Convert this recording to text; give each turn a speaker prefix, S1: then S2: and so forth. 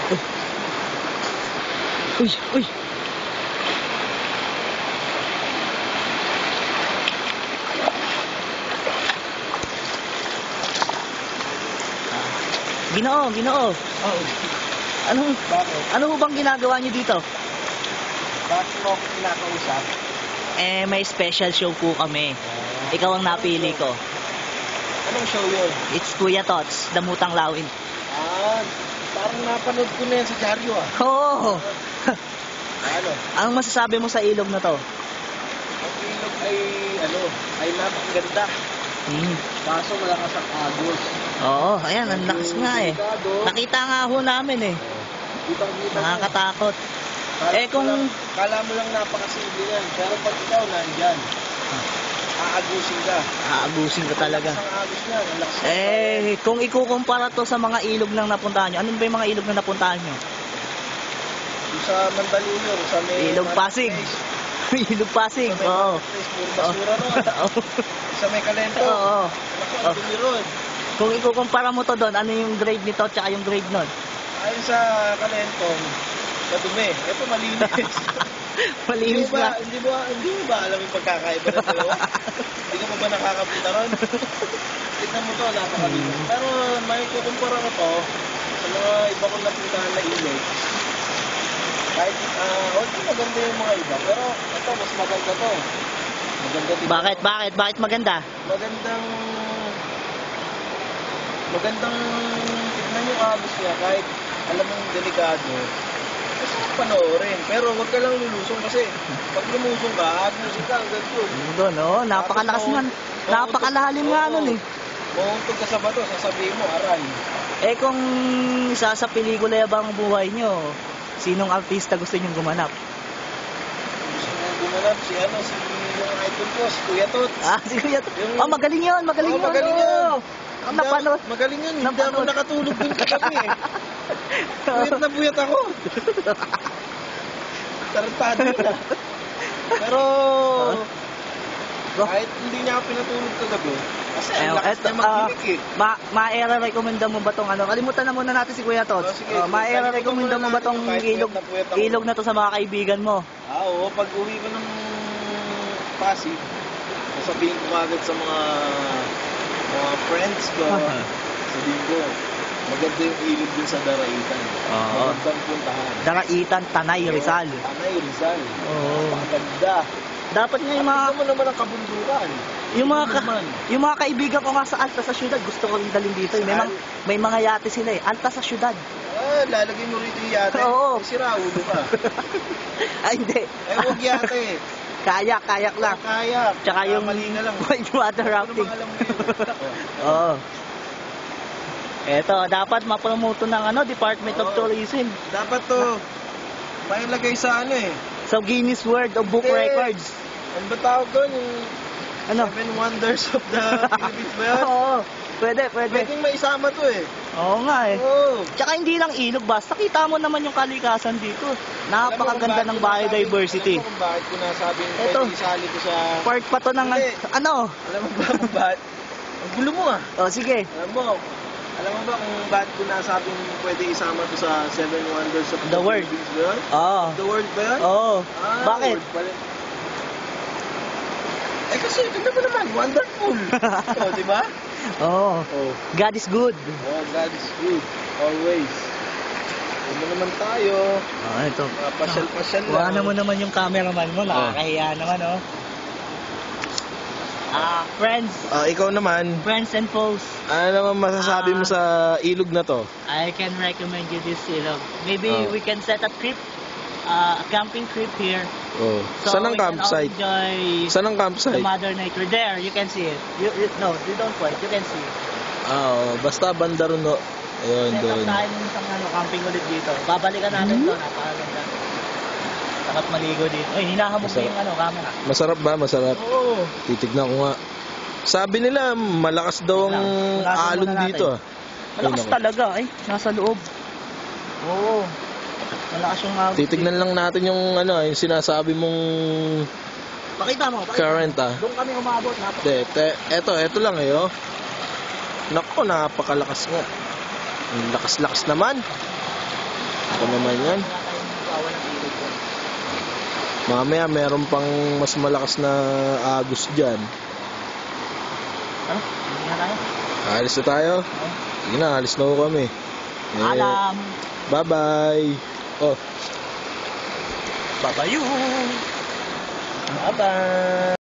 S1: Uy, uy. Ginoo, Ginoo.
S2: Oo. Bakit?
S1: Ano ho bang ginagawa niyo dito?
S2: Bakit mo ako kinakausap?
S1: May special show po kami. Ikaw ang napili ko.
S2: Anong show yun?
S1: It's Kuya Tots, Damutang Lawin.
S2: Parang napanood ko na yan sa dyaryo
S1: Oo.
S2: Ano?
S1: Anong masasabi mo sa ilog na to?
S2: Ang ilog ay napakaganda. Kaso malakas ang agos.
S1: Oo, ayan, ang lakas nga eh. Nakita nga ho namin eh.
S2: Kita-kita
S1: Nakakatakot.
S2: Kala mo lang napakasimple yan. Pero pag ikaw nandyan, aagusin ka.
S1: Aabusin ka talaga.
S2: Ang agos niyan. Ang lakas
S1: Kung ikukumpara to sa mga ilog na napuntahan nyo, anong ba yung mga ilog na napuntahan nyo?
S2: sa Mandaluyong, sa may
S1: Ilog Pasig. Ilog Pasig, oo.
S2: Puro basura ron. Sa may Kalento.
S1: Oo.
S2: Naku, ang dumi ron.
S1: Kung ikukumpara mo to doon, ano yung grade nito at saka yung grade nun?
S2: Ayon sa Kalento, madumi. Ito malinis.
S1: Malinis na.
S2: Hindi mo ba alam yung pagkakaiba na ito? Hindi ka mo ba nakakapunta ron? Tignan mo to, napakalinis. Pero may kukumpara ko to sa mga iba kong napuntahan na ilog. Kahit, maganda yung mga iba. Pero ito, mas maganda to. Maganda din.
S1: Bakit maganda?
S2: Magandang tignan yung agos niya. Kahit alam mong delikado. Kasi panoorin. Pero huwag ka lang lulusong kasi pag lumusong ka, agusin ka hanggang doon.
S1: Doon, oh, napakalakas man. Napakalalim nga nun eh.
S2: Mauntog ka sa bato, sasabihin mo, aray.
S1: Kung isa sa pelikula bang buhay nyo, sinong artista gusto nyong gumanap?
S2: Gusto mo gumanap si yung idol ko, si Kuya Tots.
S1: Si Kuya Tots. Magaling yun.
S2: Magaling yun.
S1: Napanood.
S2: Magaling yun. Hindi ako nakatulog din kagabi eh. Buyat na buyat ako. Tarantado na. Pero kahit hindi niya ako pinatulog kagabi, kasi ang lakas niya mag-inig eh.
S1: Ma-recommenda mo ba tong kalimutan na muna natin si Kuya Tots. Ma-recommenda mo ba tong ilog na to sa mga kaibigan mo?
S2: Oo, pag uwi ko ng Pasig, sasabihin ko agad sa mga friends ko, sabihin ko, maganda yung ilog din sa Daraitan. Magandang puntahan.
S1: Daraitan, Tanay, Rizal.
S2: Tanay, Rizal.
S1: Oo.
S2: Maganda.
S1: Dapat nga yung mga...
S2: Ano naman ang kabundukan?
S1: Yung mga kaibigan ko nga sa Alta sa syudad, gusto ko rin dalhin dito. May mga yate sila eh. Alta sa syudad.
S2: Lalagay mo rito yung yate.
S1: Oo.
S2: Sira ulo ka.
S1: Ay, hindi.
S2: Huwag yate.
S1: Kayak lang.
S2: Kayak.
S1: Tsaka yung
S2: mali na lang.
S1: white water rafting.
S2: Ano alam mo yun?
S1: Oo. Eto, dapat mapromoto ng Department of Tourism.
S2: Dapat to, mailagay sa
S1: So Guinness World of Book Records.
S2: Ano ba tawag doon? Yung 7 Wonders of the Philippines ba yan?
S1: Oo, pwede.
S2: Pwedeng maisama to eh.
S1: Oo nga eh.
S2: Oo.
S1: Tsaka hindi lang ilog, basta kita mo naman yung kalikasan dito. Napakaganda ng biodiversity.
S2: Alam mo kung bakit ko nasabing pwede isali ko sa...
S1: Part pa to ng
S2: Alam mo ba kung bakit? Ang gulo mo ah.
S1: Sige.
S2: Alam mo ba kung bakit ko nasabing pwede isama to sa 7 Wonders of
S1: the World?
S2: Philippines ba yun?
S1: Oo.
S2: The World ba yun?
S1: Oo. Bakit?
S2: Kasi tignan mo naman, wonderful. Diba?
S1: Oo. God is good.
S2: God is good. Always. Ano naman tayo?
S1: Ito.
S2: Pasyal-pasyal lang.
S1: Wala mo naman yung cameraman mo. Nakakahiya naman, friends.
S2: Ikaw naman.
S1: Friends and foes.
S2: Ano naman masasabi mo sa ilog na to?
S1: I can recommend you this ilog. Maybe we can set a trip, a camping trip here. So
S2: saan ang campsite? Saan ang campsite?
S1: The Mother Nature. There, you can see it. No, you don't point. You can see it.
S2: Basta Bandaruno. Ayun, doon.
S1: Set up tayo ng isang camping ulit dito. Babalikan natin to. Napakaganda. Dapat maligo dito. Ay, hinahamog na yung camera.
S2: Masarap ba? Masarap?
S1: Oo.
S2: Titignan ko nga. Sabi nila, malakas daw ang alon dito.
S1: Malakas talaga. Ay, nasa loob. Oo. Malakas yung alon.
S2: Titignan lang natin yung yung sinasabi mong
S1: Pakita mo.
S2: current
S1: Doon kami umabot.
S2: Eto lang Naku, napakalakas nga. Ang lakas-lakas naman. Ako naman yan.
S1: Wala tayong magawa ng ilog doon.
S2: Mamaya meron pang mas malakas na agos dyan.
S1: Ano? Hindi na tayo.
S2: Alis na tayo. Sige na, alis na ho kami.
S1: Alam.
S2: Bye-bye. Oh.
S1: Babayu.
S2: Bye-bye.